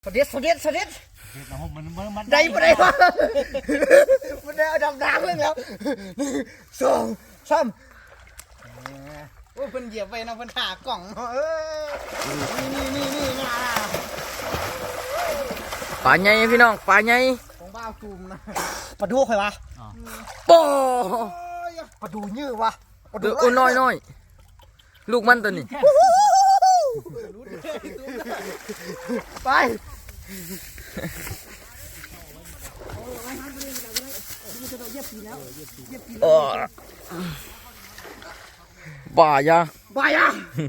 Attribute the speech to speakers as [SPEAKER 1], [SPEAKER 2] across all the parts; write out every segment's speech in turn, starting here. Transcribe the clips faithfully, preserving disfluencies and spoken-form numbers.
[SPEAKER 1] สเด็ดสเด็ดสเด็ด
[SPEAKER 2] มันมันมัน
[SPEAKER 1] ได้ไม่ได้วะมันได้เอาดำน้ำเลยแล้วสองสามโอ้เพิ่นเหยียบไปนะเพิ่นถ่ากล่องเอ้ยนี่นี่นี่นี่นะ
[SPEAKER 3] ปลาใหญ่พี่น้องปลาใหญ่
[SPEAKER 1] ของบ้าจูมนะปลาดูใครวะ
[SPEAKER 3] โป้
[SPEAKER 1] ปลาดูยื้อวะปลา
[SPEAKER 3] เดือดน้อยน้อยลูกมันตัวนี้
[SPEAKER 1] ไป
[SPEAKER 3] บ่ายา
[SPEAKER 1] ไปอ่ะ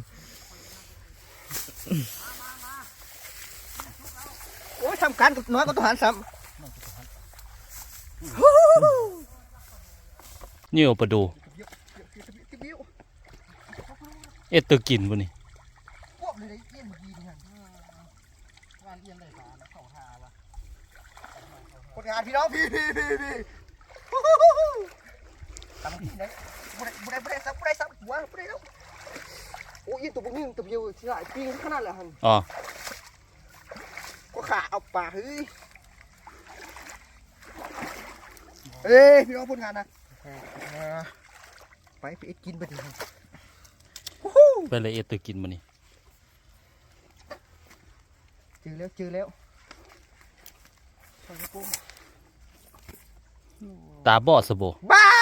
[SPEAKER 1] โอ้ยทำการกับน้อยก็ต้องหันซ้ำ
[SPEAKER 2] นี่เอาปลาดูเอ็ดตัวกินบ่นี่
[SPEAKER 1] พวกเลยเอี้ยนดีนี่ฮะงานเอี้ยนเลยสารเข้าทาวะคนงานพี่น้องพี่พี่พี่พี่ทำที่ไหนบุได้บุได้บุได้ซับบุได้ซับหัวบุได้แล้วโอ้ยตัวพวกนี้ตัวเดียวที่ไหนปิ้งขนาดเลยฮัน
[SPEAKER 2] อ๋อ
[SPEAKER 1] ก็ขาเอาปากเฮ้ยเอ้ยพี่น้องพูดงานนะไปไปกินไปดิ
[SPEAKER 2] ไปเลยเอ็ดตัวกินบ่นี่
[SPEAKER 1] เจอแล้วเจอแล้ว
[SPEAKER 2] ตาบอดสะโบ
[SPEAKER 1] บ้า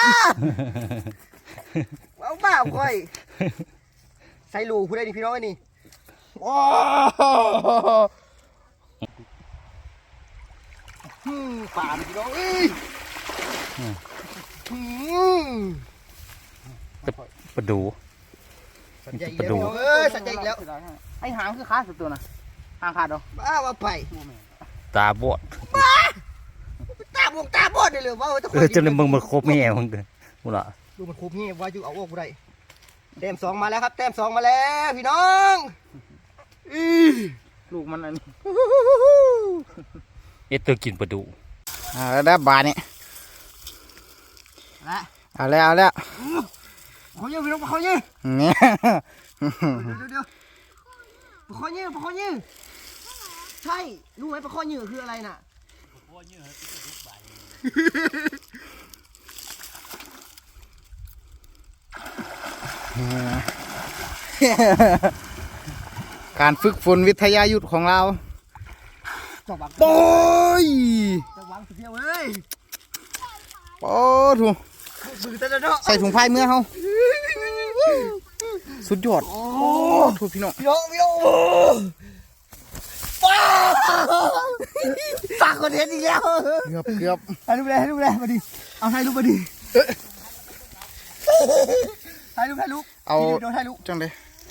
[SPEAKER 1] เอาบ้าค่อยใส่ลูกผู้ใดนี่พี่น้องไอ้นี่ว้าวฮึมป่าพี่น้องเอ้ยฮึม
[SPEAKER 2] ปลาดู
[SPEAKER 1] สัญญาอีกแล้วพี่น้องเอ้ยสัญญาอีกแล้วไอ้หางคือขาสุดตัวนะหางขาดเหรอบ้าว่าไป
[SPEAKER 2] ตาบอด
[SPEAKER 1] ตาบวงตาบอดเลยเลยว่า
[SPEAKER 2] เออจนมึงมันครบแม่มึงเด้อมึงล่ะ
[SPEAKER 1] ดูมันคุบนี่ว่าอยู่เอาออกบ่ได้แต้มสองมาแล้วครับแต้มสองมาแล้วพี่น้องอีลูกมันอันนี้
[SPEAKER 2] เอ็ดตัวกินปลาดู
[SPEAKER 3] เอาแล้วบาเนี่ย
[SPEAKER 1] ละ
[SPEAKER 3] เอาแล้วเอาแล้ว
[SPEAKER 1] เขาเยอะพี่น้องเขาเยอะ
[SPEAKER 3] เนี่ย
[SPEAKER 1] เดี๋ยวเดี๋ยวปลาข้อยืดปลาข้อยืดใช่รู้ไหมปลาข้อยืดคืออะไรน่ะ
[SPEAKER 3] การฝึกฝนวิทยายุทธของเรา
[SPEAKER 1] จับบัง
[SPEAKER 3] โอ้ย
[SPEAKER 1] จับบังสุดเดียวเอ้ย
[SPEAKER 3] โอ้ถูก
[SPEAKER 1] มือตะเนาะ
[SPEAKER 3] ใส่ถุงผ้าเมื่อเขาสุดยอดโอ้ถูกพี่น้อง
[SPEAKER 1] พี่น้องพี่น้องป้าปากคนเห็นอีกแล้ว
[SPEAKER 3] เกือบเกือบ
[SPEAKER 1] ถ่ายรูปเลยถ่ายรูปเลยมาดิเอาถ่ายรูปมาดิถ่ายรูปถ่ายรูป
[SPEAKER 3] เอา
[SPEAKER 1] เดี๋ยวถ่ายรูป
[SPEAKER 3] จังเลย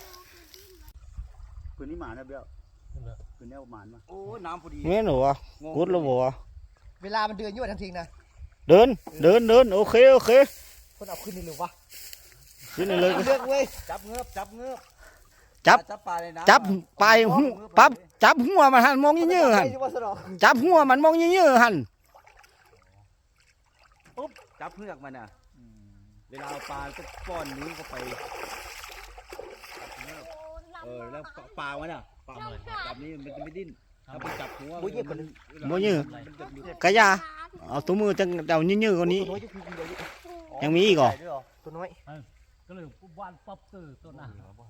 [SPEAKER 4] คืนนี้หมานะเบี้ยวคืนนี้หมานมา
[SPEAKER 1] โอ้น้ำพอดี
[SPEAKER 3] เงี้ยหนูอ่ะกุดแล้วบ่
[SPEAKER 1] เวลามันเดินยั่วทันทีนะ
[SPEAKER 3] เดินเดินเดินโอเคโอเค
[SPEAKER 1] คนเอาขึ้นนี่เลยวะ
[SPEAKER 3] ขึ้นเลย
[SPEAKER 1] เลือกเว้ย
[SPEAKER 4] จับเงือบจับเงือบ
[SPEAKER 3] จับ
[SPEAKER 4] จับปลาในน้ำ
[SPEAKER 3] จับไปหูปั๊บจับหัวมันหันมองเยื้อๆหัน
[SPEAKER 1] ไม่ใช่ว่าสนอ
[SPEAKER 3] จับหัวมันมองเยื้อๆหัน
[SPEAKER 4] ปุ๊บจับเงือกมันอ่ะเวลาเอาปลาก็ป้อนนิ้วเข้าไปเออแล้วปลามันอ่ะปลามันจับนี้มันจะไม่ดิ้นถ้าไปจับหัว
[SPEAKER 3] บ่เยื้อกะยาเอาตัวมือจังเดาเยื้อๆกว่านี้
[SPEAKER 1] ตัวน้อยจะคือเดียว
[SPEAKER 3] ยังมีอีกเหรอ
[SPEAKER 1] ตัวน้อย
[SPEAKER 2] ก็เลยว่านป๊อปเตอร์ตัวน่ะ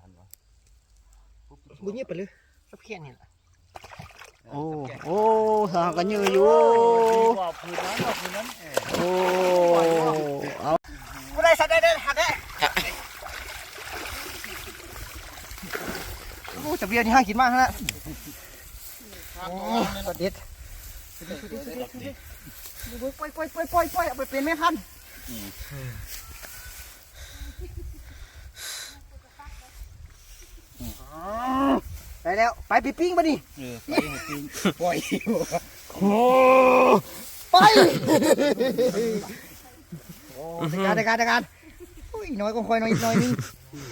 [SPEAKER 1] บุญเงียบไปเลยสับแค่นี้แหละ
[SPEAKER 3] โอ้โอ้สากันเยื้ออยู่
[SPEAKER 4] บอกพื้นนั้นบอกพื้นนั้น
[SPEAKER 3] โอ้เอา
[SPEAKER 1] กูได้สัตว์ได้ได้หักได้โอ้จับเบียร์นี่ห้ากินมากฮะโอ้สเด็ดปล่อยปล่อยปล่อยปล่อยปล่อยเอาไปเป็นแม่พันธุ์ได้แล้วไปปีปิ้งมาดิ
[SPEAKER 4] เออไปให้ปีน
[SPEAKER 1] ปล่อยโอ้ไปโอ้ในการในการในการอุ้ยน้อยก็ค่อยน้อยอีกน้อยนึง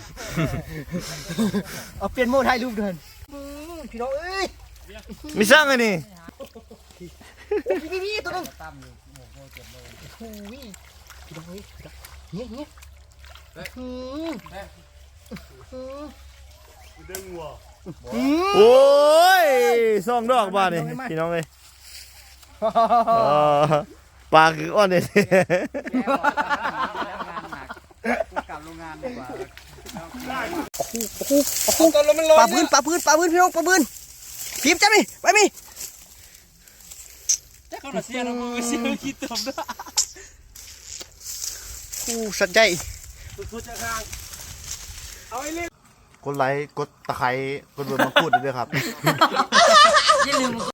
[SPEAKER 1] เอาเปลี่ยนโหมดถ่ายรูปเดินพี่น้องเอ้ย
[SPEAKER 3] มีสร้างไงนี่
[SPEAKER 1] พี่พี่พี่ตัวนึงโอ้ยพี่น้องเอ้ยเงี้ยเงี้ยอืมอืม
[SPEAKER 4] ดึงวัว
[SPEAKER 1] เ
[SPEAKER 3] โอ้ยสองดอกบ้านนี่พี่น้องเลยเออปลาคืออ้อนเนี่ย
[SPEAKER 1] กลับโรงงานดีกว่า
[SPEAKER 5] ปลาพื้นปลาพื้นปลาพื้นพี่น้องปลาพื้นพิมพ์จ้ามิไปมิ
[SPEAKER 1] เขาเสียเราเสียคิดตบด้วย
[SPEAKER 5] อู้สัตว์ใหญ่
[SPEAKER 3] กดไลค์กดตะไคร้กดเบอร์มาพูดด้วยครับ